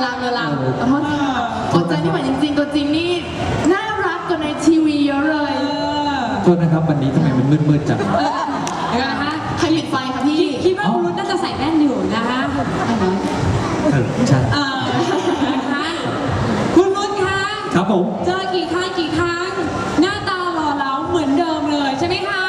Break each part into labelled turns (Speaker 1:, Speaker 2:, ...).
Speaker 1: ลามขอโทษค่ะตัวใจนี่เหมือนจริงๆตัวจริงนี่น่ารักกว่าในทีวีเยอะเลย
Speaker 2: โทษนะครับวันนี้ทำไมมันมืดๆจัง
Speaker 1: เดี๋ยวนะคะใครปิดไฟคะพี่
Speaker 3: คิดว่าคุณรุ่นน่าจะใส่แว่นอยู่นะคะ
Speaker 2: ใช่
Speaker 3: นะคะคุณรุ่นคะ
Speaker 2: ครับผม
Speaker 3: เจอกี่ครั้งหน้าตาหล่อเหลาเหมือนเดิมเลยใช่ไหมคะ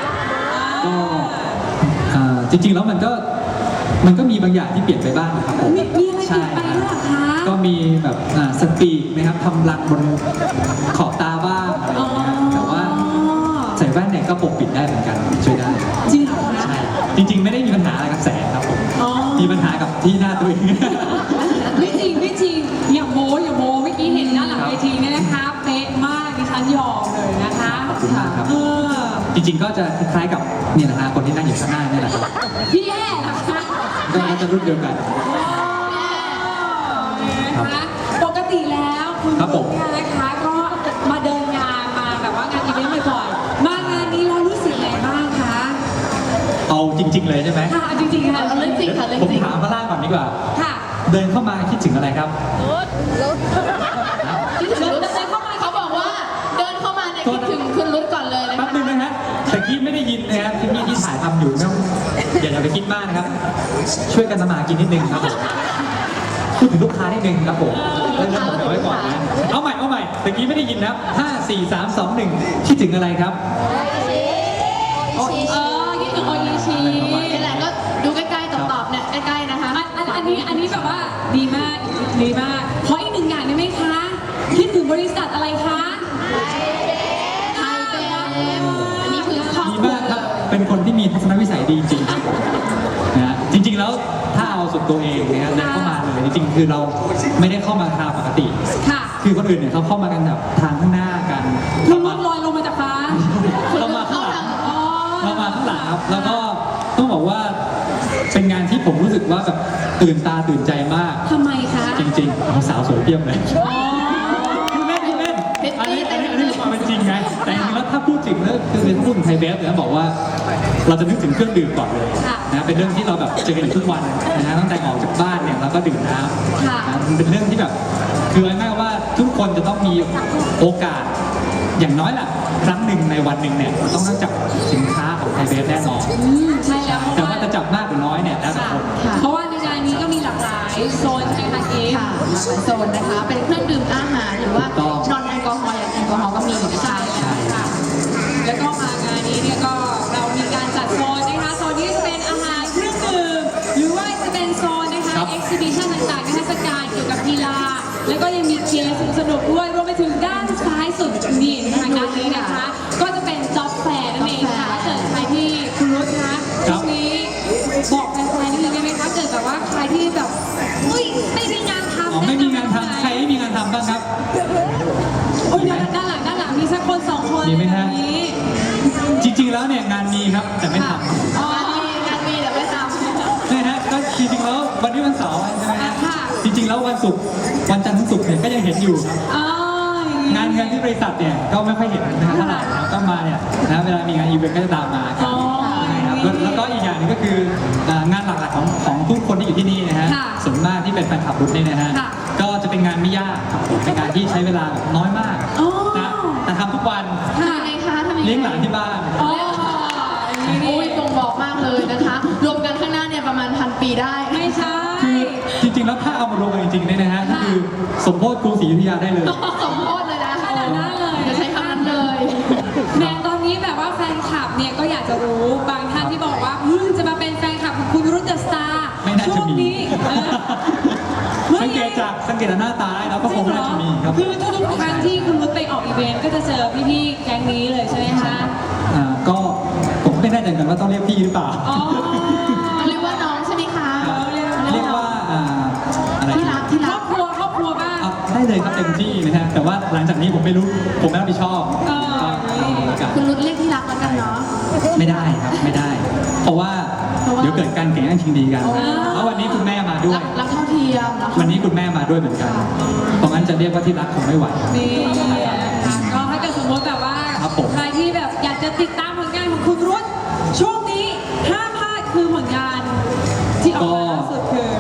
Speaker 2: ก็จริงๆแล้วมันก็มีบางอย่างที่เปลี่ยนไปบ้างนะครับผม
Speaker 3: มีอะไรเปลี่ยนไปด้วยหรอคะ
Speaker 2: ก็มีแบบสปีกนะครับทำรังบนขอบตาบ้างอะไรอย่างเงี้ยแต่ว่าใส่แว่นเนี่ยก็ปกปิดได้เหมือนกันช่วยได้
Speaker 3: จริงเหรอคะ
Speaker 2: ใช่จริงๆไม่ได้มีปัญหาอะไรกับแสงครับผมมีปัญหากับที่หน้าตัวเอง
Speaker 3: ไม่จริงอย่าโม้เมื่อกี้เห็นด้านหลังเวทีเนี่ยนะคะเป๊ะมากดิฉันยอมเลยนะคะ
Speaker 2: ขอบคุณมากครับจริงๆก็จะคล้ายๆกับนี่นะฮะคนที่นั่งอยู่ข้างหน้านี่แหละครับ
Speaker 3: พี่แย่นะคะ
Speaker 2: ก็น่าจะรุ่นเดียวกัน
Speaker 3: ปกติแล้วคุณรุ่นเนี่ยนะคะก็มาเดินงานมาแบบว่างานอีเวนต์บ่อยๆมางานนี้เรารู้สึกไงบ้างคะ
Speaker 2: เอาจริงๆเลยใช่ไหม
Speaker 3: ค่ะจริงๆค่ะ
Speaker 1: เรื่องจริงค่ะ
Speaker 2: ผมถามพระล่าก่อนดีกว่า
Speaker 3: ค่ะ
Speaker 2: เดินเข้ามาคิดถึงอะไรครับ
Speaker 1: คิดถึงรุ่นเข้ามาเขาบอกว่าเดินเข้ามาเนี่ยคิดถึงคุณรุ่นก่อนเลยนะคะ
Speaker 2: แป๊บนึงนะฮะแต่กี้ไม่ได้ยินนะครับที่ถ่ายทำอยู่นะอย่าไปคิดมากนะครับช่วยกันทำมากินนิดนึงครับผมพูดถึงลูกค้านิดนึงครับผมเรื่องผมเอาไว้ก่อนนะเอาใหม่แต่กี้ไม่ได้ยินนะครับ5 4 3 2 1คิดถึงอะไรครับ
Speaker 3: คิดถึงโออิชิ
Speaker 1: นี่แหละก็ดูใกล้ๆตอบเนี่ยใกล้ๆนะคะ
Speaker 3: อันนี้แบบว่าดีมากขออีกหนึ่งอย่างได้ไหมคะคิดถึงบริษัทอะไรคะ
Speaker 1: ไทยเบฟอันนี้คือครอบ
Speaker 2: ครัวดีมากครับเป็นคนที่มีทัศนวิสัยดีจริงนะจริงๆแล้วถ้าเอาสุดตัวเองนะครับเดินเข้ามาเลยจริงๆคือเราไม่ได้เข้ามาทางปกติคือคนอื่นเนี่ยเขาเข้ามากันแบบทางข้างหน้ากัน
Speaker 3: เราลอยลงมาจากฟ้า
Speaker 2: เรามาข้างหลังครับแล้วก็ต้องบอกว่าเป็นงานที่ผมรู้สึกว่าแบบตื่นตาตื่นใจมาก
Speaker 3: ทำไมคะ
Speaker 2: จริงๆสาวสวยเพียบเลยคือเล่นอันนี้ความเป็นจริงไงแต่จริงๆแล้วถ้าพูดถึงแล้วคือพูดถึงไทยเบฟเนี่ยบอกว่าเราจะนึกถึงเครื่องดื่มก่อนเลยนะเป็นเรื่องที่เราแบบเจอกันอยู่ทุกวันนะตั้งแต่ออกจากบ้านเนี่ยเราก็ดื่มน้ำนะมันเป็นเรื่องที่แบบคือง่ายๆว่าทุกคนจะต้องมีโอกาสอย่างน้อยล่ะครั้งหนึ่งในวันหนึ่งเนี่ยต้องจับสินค้าของไทยเบฟแน่นอน
Speaker 3: ใช่แล้ว
Speaker 2: แต่ว่าจะจับมากหรือน้อยเนี่ยแล้วแต่คน
Speaker 3: เพราะว่าในงานนี้ก็มีหลากหลายโซนใช่ไหมคะเกม
Speaker 1: ค่ะหลากหลายโซนนะคะเป็นเครื่องดื่มอาหารหรือว่านอนแอลกอฮอล์อย่างแอลกอฮอล์ก็มีนะคะ
Speaker 3: ใช่ค่ะแล้วก็มางานนี้เนี่ยก็เรามีการจัดโซนนะคะโซนนี้จะเป็นอาหารเครื่องดื่มหรือว่าจะเป็นโซนนะคะเอ็กซิบิชันต่างๆนิทรรศการเกี่ยวกับกีฬาแล้วก็ยังมีเกมสนุกด้วยรวมไปถึงด้านซ้ายสุดนี่ทางด้านนี้นะคะก็จะเป็นจ็อบแฟร์นั่นเองค่ะถ้าเกิดใครที่คุณรุ่นคะช่วงนี้บอกแฟนๆนิดนึงได้ไหมคะเกิดแบบว่าใครที่แบบไม่มีงานทำ
Speaker 2: ไม่มีงานทำใครไม่มีงานทำบ้างครับ
Speaker 3: โอ้ยด้านหลังมีสักคน2คน
Speaker 2: มีไหมฮะจริงๆแล้วเนี่ยงานมีครับแต่ไม่ทำ
Speaker 1: งานมีแต่ไม่ทำ
Speaker 2: นี่ฮะก็จริงๆแล้ววันนี้วันเสาร์ใช่ไหมฮะจริงๆแล้ววันศุกร์วันจันทร์ถึงศุกร์เนี่ยก็ยังเห็นอยู่งานที่บริษัทเนี่ยก็ไม่ค่อยเห็นนะครับเท่าไหร่ก็มาเนี่ยนะเวลามีงานอีเวนต์ก็จะตามมาครับแล้วก็อีกอย่างนึงก็คืองานหลักๆของทุกคนที่อยู่ที่นี่นะฮะส่วนมากที่เป็นแฟนคลับรุ่นนี่นะฮะก็จะเป็นงานไม่ยากเป็นงานที่ใช้เวลาน้อยมากนะแต่ทำทุกวันเลี้ยงหลานที่บ้าน
Speaker 1: อุ้ยบ่งบอกมากเลยนะคะรวมกันข้างหน้าเนี่ยประมาณ1,000 ปีได้
Speaker 3: ไม่ใช่
Speaker 2: คือจริงๆแล้วถ้าเอามารวมกันจริงๆเนี่ยนะฮะก็คือสมโภชกรุงศรีอยุธยาได้เลย
Speaker 1: สมโภชเลยนะ
Speaker 3: ขนาดนั้นเลย
Speaker 1: จะใช้คำนั้นเลย
Speaker 3: แม้ตอนนี้แบบว่าแฟนคลับเนี่ยก็อยากจะรู้บางท่านที่บอกว่าจะมาเป็นแฟนคลับของคุณรุ่นเดอะสตาร์ช่วงนี้
Speaker 2: สังเกตจากหน้าตาแล้วก็คงน่าจะมีครับ
Speaker 3: คือทุกครั้งที่คุณรุ่นไปออกอีเวนต์ก็จะเจอพี่ๆแก๊งนี้เลยใช่ไหมคะ
Speaker 2: ก็ผมไม่แน่ใจกันว่าต้องเรียกพี่หรือเปล่า
Speaker 1: เรียกว่าน้องใช่ไหมคะ
Speaker 2: เรียกว่าอะไร
Speaker 1: ที่รัก
Speaker 3: ครอบครัวบ้าง
Speaker 2: ได้เลยครับเต็มที่นะฮะแต่ว่าหลังจากนี้ผมไม่รู้ผมไม่รับผิดชอบ
Speaker 1: คุณรุ่นเรียกที่รักแล้วกันเนาะ
Speaker 2: ไม่ได้ครับไม่ได้เพราะว่าเดี๋ยวเกิดการแข่งขันชิงดีกันเพราะวันนี้คุณแม่มาด้วย
Speaker 1: รักเท่าเทียม
Speaker 2: วันนี้คุณแม่มาด้วยเหมือนกันเพราะงั้นจะเรียกว่าที่รักคงไม่ไหว
Speaker 3: นี่ก็ถ้าเกิดสมมติแบบว่าใครที่แบบอยากจะติดตามผลงานของคุณรุ่นช่วงนี้ห้ามพลาดคือผลงานที่ออกมาล่าสุดคือ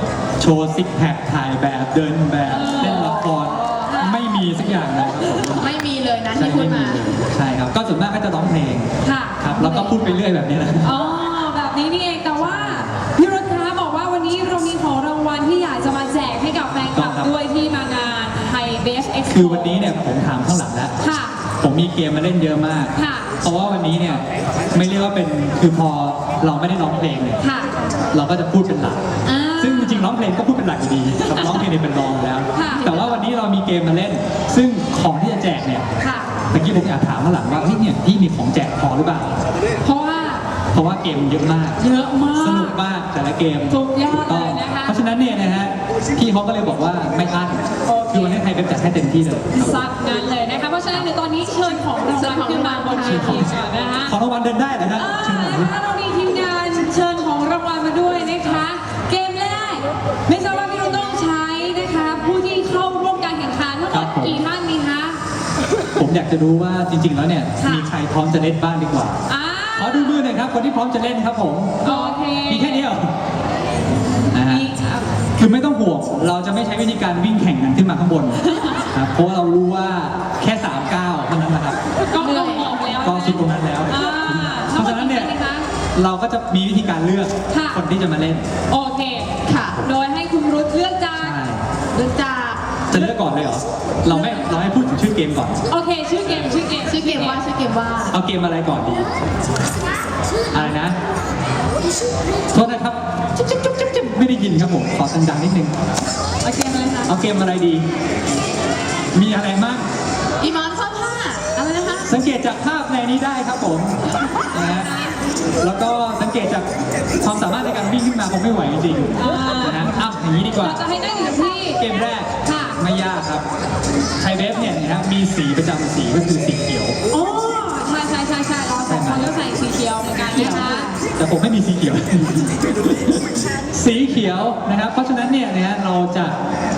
Speaker 2: โชว์ซิกแพคถ่ายแบบเดินแบบเล่นละครไม่มีสักอย่างเลยครับผม
Speaker 1: ไม่มีเลยนะ
Speaker 2: ใช่
Speaker 1: ที่พูด
Speaker 2: ไม่มี
Speaker 1: มา
Speaker 2: เลยใช่ครับก็ส่วนมากก็จะร้องเพลง
Speaker 3: ค่ะ
Speaker 2: ครับแล้วก็พูดไปเรื่อยแบบนี้นะ
Speaker 3: อ๋อแบบนี้นี่เองแต่ว่าพี่รถค้าบอกว่าวันนี้เรามีของรางวัลที่อยากจะมาแจกให้กับแฟนคลับด้วยที่มางานไทยเบสเอ็กซ์
Speaker 2: คือวันนี้เนี่ยผมถามข้างหลังแล้ว
Speaker 3: ค่ะ
Speaker 2: ผมมีเกมมาเล่นเยอะมาก
Speaker 3: ค่ะ
Speaker 2: เพราะว่าวันนี้เนี่ยไม่เรียกว่าเป็นคือพอเราไม่ได้ร้องเพลงเนี่ย
Speaker 3: ค่ะ
Speaker 2: เราก็จะพูดเป็นหลัก
Speaker 3: อ่า
Speaker 2: ซึ่งจริงๆร้องเพลงก็พูดเป็นหลักอยู่ดีครับร้องเพลงเนี่ยเป็นรองอยู่แล้ว
Speaker 3: ค่ะ
Speaker 2: แต่ว่าวันนี้เรามีเกมมาเล่น ซึ่งของที่จะแจกเนี่ย
Speaker 3: ค่ะ
Speaker 2: เมื่อกี้ผมอยากถามข้างหลังว่าเฮ้ยเนี่ยพี่มีของแจกพอหรือเปล่า
Speaker 3: เพราะว่า
Speaker 2: เพราะว่าเกมเยอะมาก
Speaker 3: เยอะมาก
Speaker 2: สนุกมากแต่ละเกม
Speaker 3: สุดยอด
Speaker 2: ถูกต้อง
Speaker 3: เลยนะคะ
Speaker 2: เพราะฉะนั้นเนี่ยนะฮะพี่เขาก็เลยบอกว่าไม่อั้น
Speaker 3: โอเค
Speaker 2: คือวันนี้ไทยเป็นจัดให้เต็มที่เลยครับ
Speaker 3: ซัดนั้นเลยนะคะเพราะฉะนั้นเดี๋ยวตอนนี้เชิญของรางวัลขึ้นมาบนเวทีก่อนนะคะ
Speaker 2: ของรางวัลเดินได้นะฮะ
Speaker 3: อ่า
Speaker 2: เชิญหน่อย
Speaker 3: นะคะเรามีทีมงานเชิญของรางวัลมาด้วยนะคะ เกมแรกไม่ทราบว่าพี่รุ่งต้องใช้นะคะ ผู้ที่เข้าร่วมการแข่งขันทั้งหมดกี่ท่านดีคะ
Speaker 2: ผมอยากจะรู้ว่าจริงๆแล้วเนี่ย
Speaker 3: ค่ะ
Speaker 2: มีใครพร้อมจะเล่นบ้างดีกว่า
Speaker 3: อ่า
Speaker 2: ขอดูมือหน่อยครับคนที่พร้อมจะเล่นครับผม
Speaker 3: โอเค
Speaker 2: มีแค่นี้เหรอนะฮะ
Speaker 3: มีครับ
Speaker 2: คือไม่ต้องห่วงเราจะไม่ใช้วิธีการวิ่งแข่งกันขึ้นมาข้างบนครับเพราะว่าเรารู้ว่าแค่3ก้าวเท่านั้นนะครับ
Speaker 3: ก็ลงออกแล้ว
Speaker 2: ก็สุดตรงนั้นแล้ว
Speaker 3: อ่า
Speaker 2: เพราะฉะนั้นเนี่ย
Speaker 3: ทั้งหมดกี่ท่าคะ
Speaker 2: เราก็จะมีวิธีการเลือก
Speaker 3: ค่ะ
Speaker 2: คนที่จะมาเล่น
Speaker 3: โอเค
Speaker 1: ค่ะ
Speaker 3: โดยให้คุณรุธเลือกจาก
Speaker 2: ใช่
Speaker 1: เรื่องจาก
Speaker 2: จะเลือกก่อนเลยเหรอเราให้พูดถึงชื่อเกมก่อน
Speaker 3: โอเค ชื่อเกม
Speaker 1: ชื่อเกมว่า
Speaker 2: เอาเกมอะไรก่อนดีอะไรนะโทษนะครับจุ๊บจุ๊บจุ๊บจุ๊บจุ๊บไม่ได้ยินครับผมขอดังๆนิดนึง
Speaker 3: โอเคเลยค่ะ
Speaker 2: เอาเกมอะไรดี มีอะไรบ้าง
Speaker 1: อีมอนซ่อนผ้าอะไรนะคะ
Speaker 2: สังเกตจากภาพในนี้ได้ครับผมนะฮะแล้วก็สังเกตจากความสามารถในการวิ่งขึ้นมาคงไม่ไหวจริงๆนะฮะอ้าวอย่างนี้ดีกว่า
Speaker 3: เราจะให้นั่งอยู่ที่
Speaker 2: เกมแรก
Speaker 3: ค่ะ
Speaker 2: ไม่ยากครับไทยเวฟเนี่ยนะครับมีสีประจำสีก็คือสีเขียว
Speaker 3: โอ้ใช่เราสองคนก็ใส่สีเขียวเหมือนกันนะคะ
Speaker 2: แต่ผมไม่มีสีเขียว สีเขียวนะครับ เพราะฉะนั้นเนี่ยนะฮะเราจะ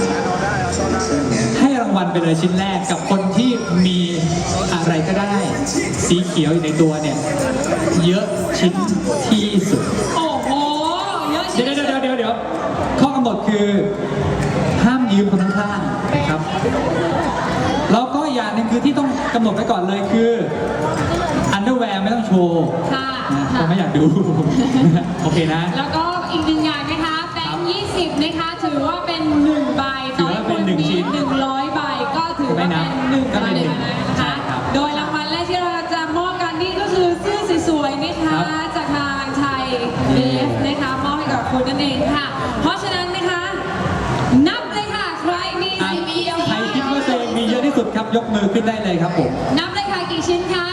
Speaker 2: ให้รางวัลไปเลยชิ้นแรกกับคนที่มีอะไรก็ได้ สีเขียวอยู่ในตัวเนี่ยเยอะชิ้นที่สุด
Speaker 3: โอ้โหเยอะ
Speaker 2: เดี๋ยวข้อกำหนดคือห้ามยืมคนข้างๆนะครับแล้วก็อย่างหนึ่งคือที่ต้องกำหนดไว้ก่อนเลยคืออันเดอร์แวร์ไม่ต้องโชว์
Speaker 3: ค่ะ
Speaker 2: นะผมไม่อยากดู โอเคนะ
Speaker 3: แล้วก็อีกหนึ่งอย่างนะคะแบงค์20นะคะถือว่าเป็น1ใบ
Speaker 2: ถือว่าเป็นหนึ่งชิ้น
Speaker 3: 100ใบก็ถือว่าเป็น1
Speaker 2: ก็
Speaker 3: ใบ
Speaker 2: เป็นหนึ่ง
Speaker 3: นะ
Speaker 2: ใช่
Speaker 3: คะ
Speaker 2: ครับ
Speaker 3: โดยรางวัลแรกที่เราจะมอบกันนี่ก็คือเสื้อสวยๆนะคะ
Speaker 2: ครับ
Speaker 3: จากทางไทยเบสนะคะมอบให้กับคุณนั่นเองค่ะ เพราะฉะนั้นนะคะนับเลยค่ะใครมี
Speaker 2: อ่ะ
Speaker 3: สีเขียว
Speaker 2: ใครคิดว่าตัวเองมีเยอะที่สุดครับ ยกมือขึ้นได้เลยครับผม
Speaker 3: นับเลยค่ะกี่ชิ้นคะ